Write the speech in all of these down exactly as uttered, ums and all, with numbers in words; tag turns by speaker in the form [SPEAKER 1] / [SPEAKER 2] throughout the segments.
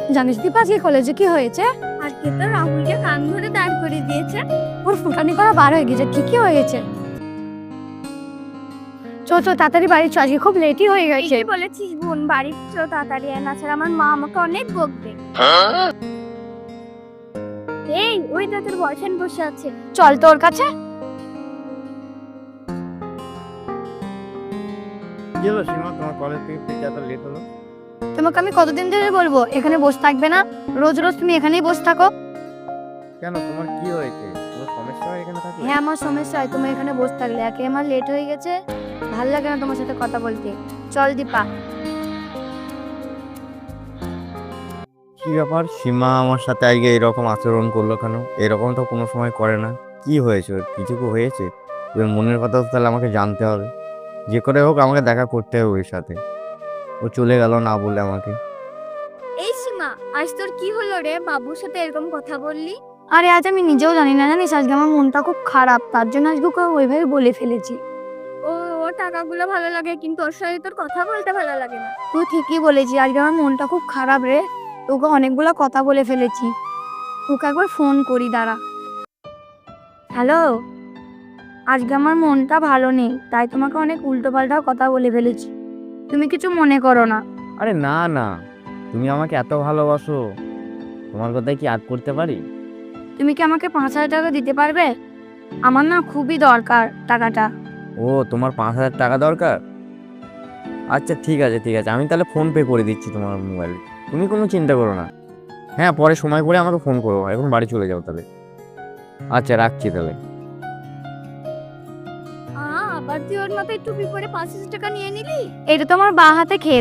[SPEAKER 1] জানিস দীপা আজকে কলেজে কি হয়েছে?
[SPEAKER 2] আজকে তো রাহুলকে কান ধরে দাঁড় করে দিয়েছে।
[SPEAKER 1] ওর ফুটানি করা বার হয়ে গেছে। কি কি হয়েছে? চো চো তাড়াতাড়ি বাড়ি চো, আজকে খুব লেটই হয়ে গেছে।
[SPEAKER 2] কি বলেছিস বোন, বাড়ি চো তাড়াতাড়ি, না ছাড়া আমার মা আমাকে অনেক বকবে। এই ওই তো তোর বয়ফ্রেন্ড বসে আছে,
[SPEAKER 1] চল তোর কাছে।
[SPEAKER 3] কি হলো সীমা, তোমার কলেজ থেকে ফিরতে এত লেট হলো?
[SPEAKER 1] তোমাকে আমি কতদিন ধরে বলবো এখানে বসে থাকবে না, রোজ রোজ তুমি এখানেই বসে থাকো।
[SPEAKER 3] কেন, তোমার কি হয়েছে? তোমার সমস্যা হয় এখানে থাকলে?
[SPEAKER 1] হ্যাঁ আমার সমস্যা হয় তুমি এখানে বসে থাকলে, একে আমার লেট হয়ে গেছে, ভাল লাগে না তোমার সাথে কথা বলতে। চল দীপা।
[SPEAKER 3] কি ব্যাপার, সীমা আমার সাথে আজকে এরকম আচরণ করলো কেন? এরকম তো কোনো সময় করে না। কি হয়েছে, ওর কিছু কি হয়েছে? ওর মনের কথা তো তাহলে আমাকে জানতে হবে, যে করে হোক আমাকে দেখা করতে হবে ওর সাথে। ও চলে গেল না বলে আমাকে।
[SPEAKER 2] এই সীমা, আজ তোর কি হলো রে? বাবুর সাথে এরকম কথা বললি?
[SPEAKER 1] আরে আজ আমি নিজেও জানি না, জানিস আজকে আমার মনটা খুব খারাপ, তার জন্য আজকে ওকে ওইভাবে বলে ফেলেছি।
[SPEAKER 2] ও ওর টাকাগুলো ভালো লাগে, কিন্তু ওর সাথে তোর কথা বলতে ভালো লাগে না।
[SPEAKER 1] তুই ঠিকই বলেছি, আজকে আমার মনটা খুব খারাপ রে, তোকে অনেকগুলো কথা বলে ফেলেছি। তোকে একবার ফোন করি, দাঁড়া। হ্যালো, আজকে আমার মনটা ভালো নেই, তাই তোমাকে অনেক উল্টো পাল্টা কথা বলে ফেলেছি, তুমি কিছু মনে করো না।
[SPEAKER 3] আরে না না, তুমি আমাকে এত ভালোবাসো, তোমার কথায় কি আদ করতে পারি?
[SPEAKER 1] তুমি কি আমাকে পাঁচ হাজার টাকা দিতে পারবে? আমার না খুবই দরকার টাকাটা।
[SPEAKER 3] ও, তোমার পাঁচ হাজার টাকা দরকার? আচ্ছা ঠিক আছে ঠিক আছে, আমি তাহলে ফোন পে করে দিচ্ছি তোমার মোবাইলে, তুমি কোনো চিন্তা করো না। হ্যাঁ, পরে সময় করে আমাকে ফোন করো, এখন বাড়ি চলে যাও তাহলে। আচ্ছা রাখছি তাহলে।
[SPEAKER 2] আ আবার তুই ওর মাথায় টুপি পরে পাঁচ হাজার টাকা নিয়ে নিলি?
[SPEAKER 1] এটা তো আমার বাঁ হাতে খেয়ে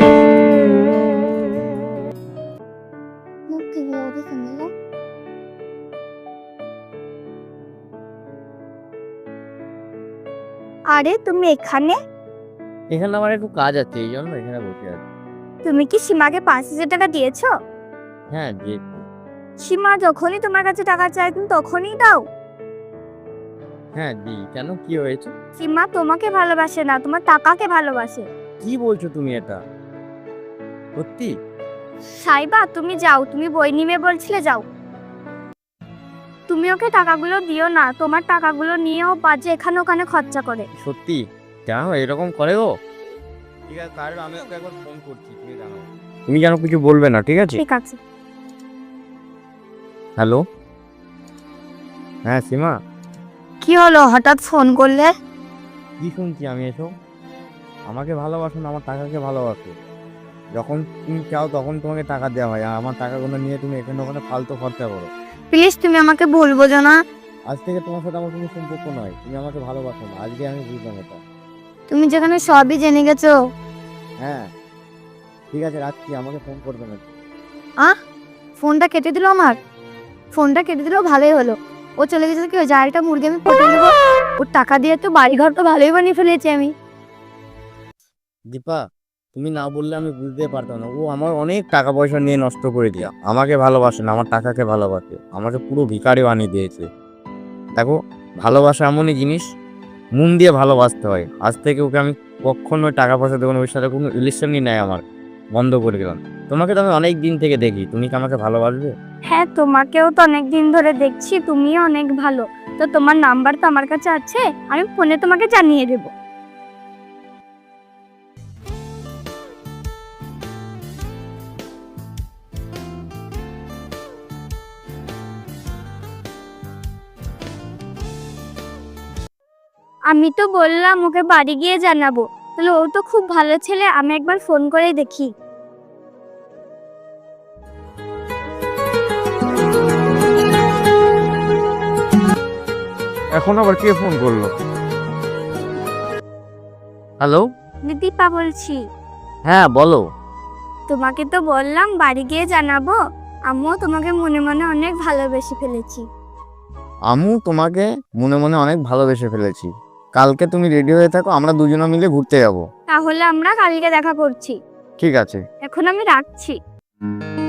[SPEAKER 2] আরে তুমি এখানে?
[SPEAKER 3] এখানে আমার একটু কাজ আছে, এই জন্য এখানে বসে আছি।
[SPEAKER 2] তুমি কি সীমাকে পাঁচ হাজার টাকা দিয়েছো?
[SPEAKER 3] হ্যাঁ যে,
[SPEAKER 2] সীমা যখনই তোমার কাছে টাকা চায় তুমি তখনই দাও?
[SPEAKER 3] হ্যাঁ দি, কেন কি হয়েছে?
[SPEAKER 2] সীমা তোমাকে ভালোবাসে না, তোমার টাকাকে ভালোবাসে।
[SPEAKER 3] কি বলছো তুমি এটা? সত্যি?
[SPEAKER 2] সাইবা তুমি যাও, তুমি বই নিবে বলছিলে, যাও। তুমি ওকে টাকাগুলো দিও না, তোমার টাকাগুলো নিয়েও বাজে এখানে ওখানে খরচা করে।
[SPEAKER 3] সত্যি? কেন এরকম করে ও? ঠিক আছে, তাহলে আমি ওকে একবার ফোন করছি, তুমি জানাও। তুমি যেন কিছু বলবে না, ঠিক আছে?
[SPEAKER 2] ঠিক আছে।
[SPEAKER 3] হ্যালো, হ্যাঁ সীমা।
[SPEAKER 1] কি হলো হঠাৎ ফোন করলে?
[SPEAKER 3] কি শুনছি আমি এসব? আমাকে ভালোবাসো না, আমার টাকাকে ভালোবাসো। যখন তুমি চাও তখন তোমাকে টাকা দেওয়া হয়, আর আমার টাকাগুলো নিয়ে তুমি এখানে ওখানে ফালতু খরচা করো।
[SPEAKER 1] প্লিজ তুমি আমাকে ভুল বোঝো না।
[SPEAKER 3] আজ থেকে তোমার সাথে আমার কোনো সম্পর্ক নয়, তুমি আমাকে ভালোবাসো না, আজকে আমি বুঝলাম এটা।
[SPEAKER 1] তুমি যেখানে সবই জেনে গেছো।
[SPEAKER 3] হ্যাঁ ঠিক আছে, রাখছি, আমাকে ফোন করবে না।
[SPEAKER 1] আহ ফোনটা কেটে দিল আমার, ফোনটা কেটে দিলেও ভালোই হলো। ও চলে গেছে কি হয়েছে, আরেকটা মুরগি আমি পটে দেবো। ওর টাকা দিয়ে তো বাড়ি ঘর তো ভালোই বানিয়ে ফেলেছি আমি।
[SPEAKER 3] দীপা, তুমি না বললে আমি বুঝতে পারতাম না, ও আমার অনেক টাকা পয়সা নিয়ে নষ্ট করে দিয়া, আমাকে ভালোবাসে না, আমার টাকাকে ভালোবাসে, আমাকে পুরো ভিখারি বানিয়ে দিয়েছে। দেখো, ভালোবাসা এমনই জিনিস, মন দিয়ে ভালোবাসতে হয়। আজ থেকে ওকে আমি কখনোই টাকা পয়সা দেবো না, ওর সাথে কোনো রিলেশনই নেই আমার, বন্ধ করে দিলাম। তোমাকে তো আমি অনেক দিন থেকে দেখি, তুমি কি আমাকে ভালোবাসবে?
[SPEAKER 2] হ্যাঁ তোমাকেও তো অনেক দিন ধরে দেখছি, তুমিও অনেক ভালো। তো তোমার নাম্বার তো আমার কাছে আছে, আমি ফোনে তোমাকে জানিয়ে দেব। আমি তো বললাম ওকে বাড়ি গিয়ে জানাবো, তাহলে ও তো খুব ভালো ছেলে, আমি একবার ফোন করে দেখি।
[SPEAKER 3] এখন আবার কে ফোন করলো? হ্যালো,
[SPEAKER 2] দীপা বলছি।
[SPEAKER 3] হ্যাঁ বলো।
[SPEAKER 2] তোমাকে তো বললাম বাড়ি গিয়ে জানাবো, আমিও তোমাকে মনে মনে অনেক ভালোবেসে ফেলেছি।
[SPEAKER 3] আমিও তোমাকে মনে মনে অনেক ভালোবেসে ফেলেছি। কালকে তুমি রেডি হয়ে থাকো, আমরা দুজনে মিলে ঘুরতে যাব।
[SPEAKER 2] তাহলে আমরা কালকে দেখা করছি।
[SPEAKER 3] ঠিক আছে।
[SPEAKER 2] এখন আমি রাখছি।